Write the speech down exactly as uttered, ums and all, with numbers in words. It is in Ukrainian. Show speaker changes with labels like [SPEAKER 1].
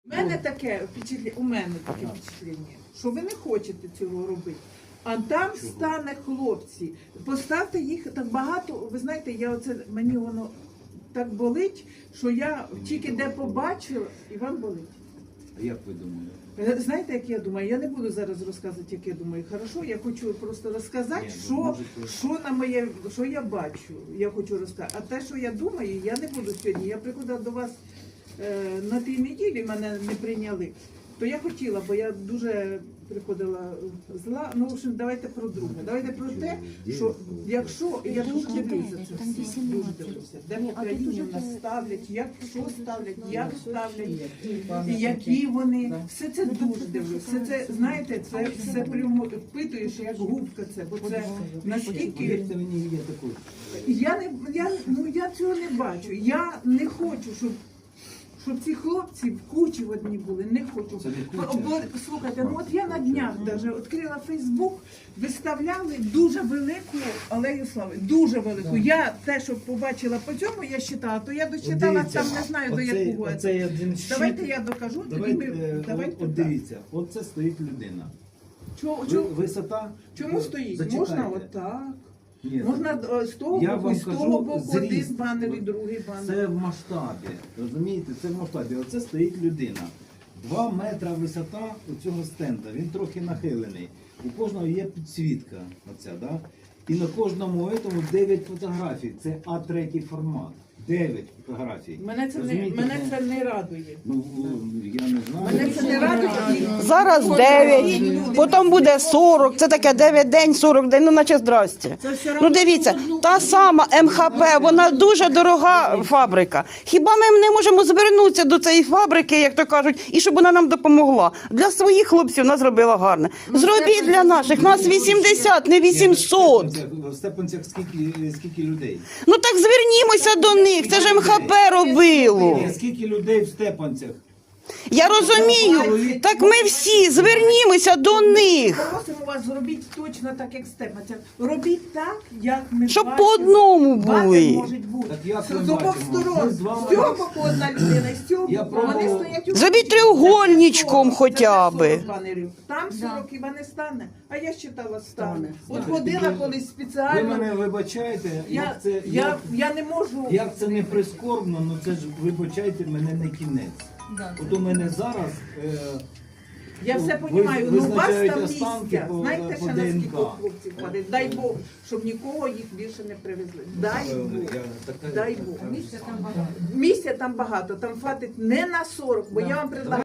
[SPEAKER 1] У мене таке впечатлення, у мене таке впечатлення, що ви не хочете цього робити. А там стане хлопці. Поставте їх так багато. Ви знаєте, я оце мені воно так болить, що я тільки де побачила, і вам болить.
[SPEAKER 2] А як ви думаєте?
[SPEAKER 1] Знаєте, як я думаю? Я не буду зараз розказувати, як я думаю. Хорошо, я хочу просто розказати,
[SPEAKER 2] Ні,
[SPEAKER 1] що,
[SPEAKER 2] можете...
[SPEAKER 1] що на моє, що я бачу. Я хочу розказати. А те, що я думаю, я не буду сьогодні. Я приходила до вас е, на тій неділі, мене не прийняли. То я хотіла, бо я дуже приходила зла. Ну, в общем, давайте про друге. Давайте про те, що якщо, я дуже дивлюся це все, дуже дивлюся, де в Україні нас ставлять, як, що ставлять, як ставлять, і які вони. Все це дуже дивлюся. Все це, знаєте, це все прямо впитуєш, як губка це, бо це наскільки...
[SPEAKER 2] Повірте мені, є також.
[SPEAKER 1] Я не, я, ну, я цього не бачу. Я не хочу, щоб щоб ці хлопці в кучі в одні були, не хочу. Бо, слухайте, ну от я на днях навіть відкрила Фейсбук, виставляли дуже велику алею слави, дуже велику. Я те, що побачила по цьому, я читала, то я дочитала там, не знаю до якого.
[SPEAKER 2] Оцей один щит.
[SPEAKER 1] Давайте я докажу, тоді ми,
[SPEAKER 2] Давайте,
[SPEAKER 1] давайте
[SPEAKER 2] от, от дивіться, от це стоїть людина.
[SPEAKER 1] Чому,
[SPEAKER 2] Ви-
[SPEAKER 1] чому,
[SPEAKER 2] Висота.
[SPEAKER 1] чому стоїть?
[SPEAKER 2] Зачекайте.
[SPEAKER 1] Можна отак.
[SPEAKER 2] Ні,
[SPEAKER 1] Можна е, з того
[SPEAKER 2] я
[SPEAKER 1] боку,
[SPEAKER 2] вам
[SPEAKER 1] з того
[SPEAKER 2] кажу,
[SPEAKER 1] боку один
[SPEAKER 2] зріст.
[SPEAKER 1] банер і другий банер.
[SPEAKER 2] Це в масштабі. Розумієте, це в масштабі. Оце стоїть людина. Два метра висота у цього стенда. Він трохи нахилений. У кожного є підсвітка. Оця, да? І на кожному этому дев'ять фотографій. Це А три формат. дев'ять фотографій.
[SPEAKER 1] Мене це, не,
[SPEAKER 2] Розумієте?
[SPEAKER 1] мене це не радує.
[SPEAKER 2] Ну, я не знаю.
[SPEAKER 1] Мене це не радує.
[SPEAKER 3] Зараз дев'ять, потім буде сорок, це таке дев'ять день, сорок день, ну наче здрасте. Ну дивіться, та сама Ем Ха Пе, вона дуже дорога фабрика. Хіба ми не можемо звернутися до цієї фабрики, як то кажуть, і щоб вона нам допомогла? Для своїх хлопців вона зробила гарне. Зробіть для наших, нас вісімдесят, не вісімсот.
[SPEAKER 2] В Степанцях скільки, скільки людей?
[SPEAKER 3] Ну так звернімося до них, це ж Ем Ха Пе робило.
[SPEAKER 2] Ні, скільки людей в Степанцях?
[SPEAKER 3] Я розумію, так ми всі звернімося до них.
[SPEAKER 1] Просимо вас, зробіть точно так, як Степанця. Робіть так, як ми
[SPEAKER 3] Щоб
[SPEAKER 1] бачимо.
[SPEAKER 3] по одному
[SPEAKER 1] Банер
[SPEAKER 3] були.
[SPEAKER 1] можуть бути.
[SPEAKER 2] Так як
[SPEAKER 1] З
[SPEAKER 2] ми
[SPEAKER 1] з обох
[SPEAKER 2] бачимо?
[SPEAKER 1] сторон.
[SPEAKER 2] Ми з вами-
[SPEAKER 1] З цього боку одна людина, з цього
[SPEAKER 2] Я
[SPEAKER 1] боку. Вони
[SPEAKER 2] пробував-
[SPEAKER 1] стоять у
[SPEAKER 3] Зробіть треугольничком
[SPEAKER 1] Це
[SPEAKER 3] хоча
[SPEAKER 1] не
[SPEAKER 3] би.
[SPEAKER 1] сорок банерів. Там сорок хіба не стане. А я считала стане. От ходила колись
[SPEAKER 2] Ви
[SPEAKER 1] спеціально.
[SPEAKER 2] мене вибачаєте,
[SPEAKER 1] Я,
[SPEAKER 2] як це,
[SPEAKER 1] я,
[SPEAKER 2] як,
[SPEAKER 1] я не можу.
[SPEAKER 2] як це не прискорбно, ну це ж, вибачайте, мене не кінець. От у мене зараз... Е,
[SPEAKER 1] Я все
[SPEAKER 2] ви-
[SPEAKER 1] розумію, ну у вас
[SPEAKER 2] визначають
[SPEAKER 1] там
[SPEAKER 2] останки
[SPEAKER 1] місця.
[SPEAKER 2] по-
[SPEAKER 1] Знаєте,
[SPEAKER 2] по
[SPEAKER 1] ще наскільки
[SPEAKER 2] ДНК.
[SPEAKER 1] хлопців ходить. Дай Бог, щоб нікого їх більше не привезли. Дай Бог.
[SPEAKER 2] я така-
[SPEAKER 1] Дай Бог. Місця там багато. Місця там багато. Там хватить не на сорок, бо я вам предлагаю.